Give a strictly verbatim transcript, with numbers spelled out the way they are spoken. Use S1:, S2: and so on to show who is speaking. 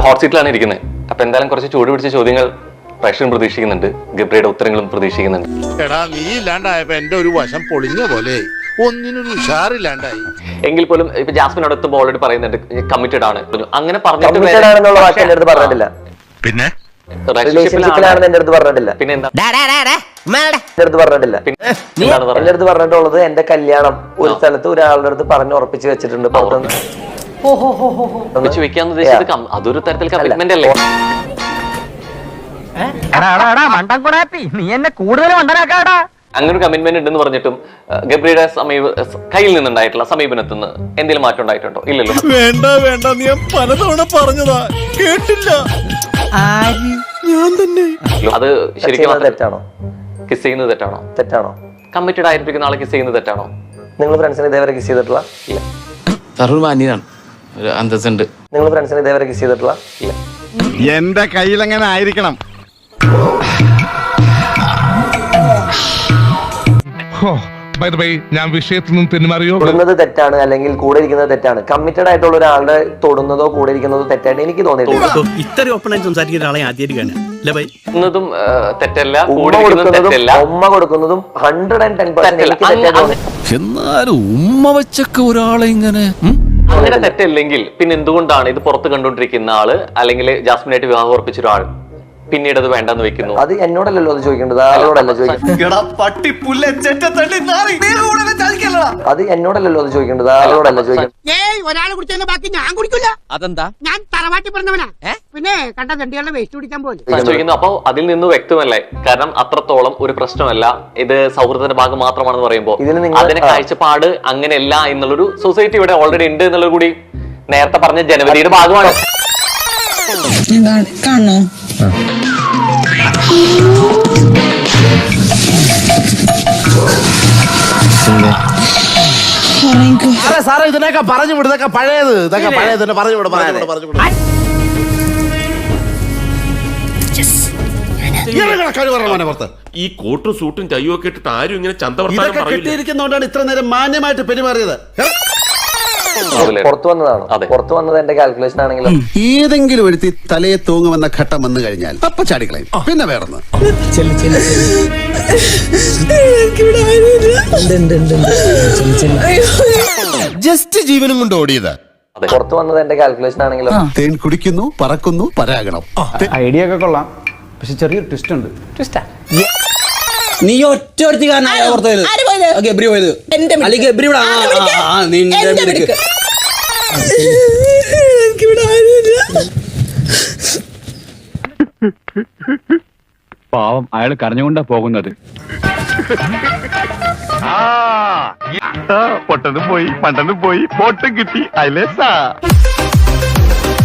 S1: Hot സീറ്റിലാണ് ഇരിക്കുന്നത്. അപ്പൊ എന്തായാലും കുറച്ച് ചൂട് പിടിച്ച ചോദ്യങ്ങൾ പ്രേക്ഷകരും പ്രതീക്ഷിക്കുന്നുണ്ട്, ഗബ്രിയുടെ ഉത്തരങ്ങളും പ്രതീക്ഷിക്കുന്നുണ്ട്.
S2: എടാ നീ ഇല്ലാണ്ടായപ്പോ എന്റെ ഒരു വശം പൊളിഞ്ഞ പോലെ ഒന്നിനൊരു ഉഷാറില്ലാണ്ടായി.
S1: എങ്കിൽ പോലും ഇപ്പൊ ജാസ്മിനോട് എത്തുമ്പോൾ ഓൾറെഡി പറയുന്നുണ്ട് കമ്മിറ്റഡ് ആണ്. അങ്ങനെ പറഞ്ഞിട്ട്
S3: പിന്നെ
S4: റിലേഷൻഷിപ്പിലാണെന്ന് എന്റെ അടുത്ത് പറഞ്ഞിട്ടില്ല.
S1: പിന്നെ എന്താ
S4: എന്റെ അടുത്ത് പറഞ്ഞിട്ടില്ല. എന്റെ അടുത്ത് പറഞ്ഞിട്ടുള്ളത് എന്റെ കല്യാണം ഒരു സ്ഥലത്ത് ഒരാളുടെ അടുത്ത് പറഞ്ഞ് ഉറപ്പിച്ച് വെച്ചിട്ടുണ്ട്.
S1: ഉറപ്പിച്ച് വെക്കാന്ന് ഉദ്ദേശിച്ചത് അതൊരു തരത്തിൽ കമ്മിറ്റ്മെന്റ് അല്ലേ?
S5: നീ എന്നെ കൂടുതൽ മണ്ടനാക്കാടാ.
S1: അങ്ങനെ ഒരു കമ്മിറ്റ്മെന്റ് ഉണ്ടെന്ന് പറഞ്ഞിട്ടും ഗബ്രിയുടെ സമീപ കയ്യിൽ നിന്നുണ്ടായിട്ടുള്ള സമീപനത്തിൽ നിന്ന് എന്തെങ്കിലും മാറ്റം ഉണ്ടായിട്ടുണ്ടോ? ഇല്ലല്ലോ.
S2: വേണ്ട വേണ്ട നീ പലതവണ പറഞ്ഞതാ, കേട്ടില്ല. ഞാൻ തന്നെ.
S1: അത് ശരിക്കും
S4: തെറ്റാണോ?
S1: കിസ് ചെയ്യുന്നത് തെറ്റാണോ?
S4: തെറ്റാണോ?
S1: കമ്മിറ്റഡ് ആയിരിക്കുന്ന ആളെ കിസ് ചെയ്യുന്നത് തെറ്റാണോ?
S4: നിങ്ങൾ ഫ്രണ്ട്സിനെ ഇതേവരെ കിസ് ചെയ്തിട്ടുള്ള?
S1: ഇല്ല.
S6: സർവ്വമാന്യനാണ്, ഒരു അന്തസ്സുണ്ട്.
S4: നിങ്ങൾ ഫ്രണ്ട്സിനെ ഇതേവരെ കിസ് ചെയ്തിട്ടുള്ള?
S1: ഇല്ല.
S3: എന്റെ കയ്യിൽ എങ്ങനെ ആയിരിക്കണം.
S7: ഞാൻ വിഷയത്തിൽ നിന്നും തെന്നുമാറിയോ?
S4: തൊടുന്നത് തെറ്റാണ് അല്ലെങ്കിൽ കൂടെ ഇരിക്കുന്നത് തെറ്റാണ്. കമ്മിറ്റഡ് ആയിട്ടുള്ള ഒരാളുടെ തൊടുന്നതോ കൂടെ ഇരിക്കുന്നതോ തെറ്റായിട്ട് എനിക്ക് തോന്നിയിട്ടില്ല.
S8: ഇത്രയും ഓപ്പണായി സംസാരിക്കുന്ന ഒരാളെ ആദ്യമായിട്ട്
S1: തെറ്റല്ല,
S4: ഉമ്മ കൊടുക്കുന്നതും ഹൺഡ്രഡ് ആൻഡ് ടെൻ പെർസെന്റ്.
S6: എന്നാലും ഉമ്മ വെച്ചൊക്കെ ഒരാളെ ഇങ്ങനെ
S1: അങ്ങനെ തെറ്റല്ലെങ്കിൽ പിന്നെ എന്തുകൊണ്ടാണ് ഇത് പുറത്ത് കണ്ടുകൊണ്ടിരിക്കുന്ന ആള് അല്ലെങ്കിൽ ജാസ്മിനായിട്ട് വിവാഹം ഉറപ്പിച്ച ഒരാൾ പിന്നീട് അത് വേണ്ടെന്ന് വെക്കുന്നു?
S4: അത് എന്നോടല്ലോ അത് ചോദിക്കേണ്ടത്, ആരോടല്ല ചോദിക്കേണ്ടത്. അത് എന്നോടല്ലോ അത് ചോദിക്കേണ്ടത്, ആരോടല്ല ചോദിക്കേണ്ടത്.
S6: അതെന്താ?
S9: ഞാൻ തറവാട്ടി പറഞ്ഞവനാ, പിന്നെ കണ്ട തണ്ടികളുടെ വേസ്റ്റ് കുടിക്കാൻ പോലും
S1: ചോദിക്കുന്നു. അപ്പൊ അതിൽ നിന്ന് വ്യക്തമല്ലേ? കാരണം അത്രത്തോളം ഒരു പ്രശ്നമല്ല, ഇത് സൗഹൃദത്തിന്റെ ഭാഗം മാത്രമാണെന്ന് പറയുമ്പോൾ അതിന്റെ കാഴ്ചപ്പാട് അങ്ങനെയല്ല എന്നുള്ളൊരു സൊസൈറ്റി ഇവിടെ ഓൾറെഡി ഉണ്ട് എന്നുള്ളത് കൂടി നേരത്തെ പറഞ്ഞ ജനവരിയുടെ ഭാഗമാണ്.
S9: കാണോ
S2: സാറേ ഇതിനൊക്കെ പറഞ്ഞു വിടും, ഇതൊക്കെ പഴയത്, ഇതൊക്കെ പഴയത് പറഞ്ഞു വിടും, പറഞ്ഞു വിടും, പറഞ്ഞു വിടും.
S10: ഈ കോട്ടും സൂട്ടും ചയ്യും ഒക്കെ ഇട്ടിട്ട് ആരും ഇങ്ങനെ
S2: ഇതൊക്കെ കെട്ടിയിരിക്കുന്നതുകൊണ്ടാണ് ഇത്ര നേരം മാന്യമായിട്ട് പെരുമാറിയത്.
S4: പുറത്തു വന്നതാണോ? പുറത്തു വന്നത് എന്റെ കാൽക്കുലേഷൻ ആണെങ്കിലും
S3: ഏതെങ്കിലും ഒരുത്തി തലയെ തൂങ്ങുമെന്ന ഘട്ടം വന്നു കഴിഞ്ഞാൽ അപ്പൊ ചാടിക്കളയും. പിന്നെ വേറൊന്ന് ജസ്റ്റ് ജീവനും കൊണ്ട് ഓടിയത്.
S4: പുറത്തു വന്നത് എന്റെ കാൽക്കുലേഷൻ ആണെങ്കിലും
S3: തേൻ കുടിക്കുന്നു, പറക്കുന്നു, പരാഗണം.
S5: ഐഡിയ ഒക്കെ കൊള്ളാം, പക്ഷെ ചെറിയൊരു ട്വിസ്റ്റ് ഉണ്ട്. ട്വിസ്റ്റാ?
S8: നീ ഒറ്റ ഗബ്രി പോയത് അല്ലെങ്കിൽ ഗബ്രി
S7: പാവം, അയാൾ കരഞ്ഞുകൊണ്ടാ പോകുന്നത്. പൊട്ടനും പോയി, പണ്ടനും പോയി, പോട്ടും കിട്ടി. അയലേസാ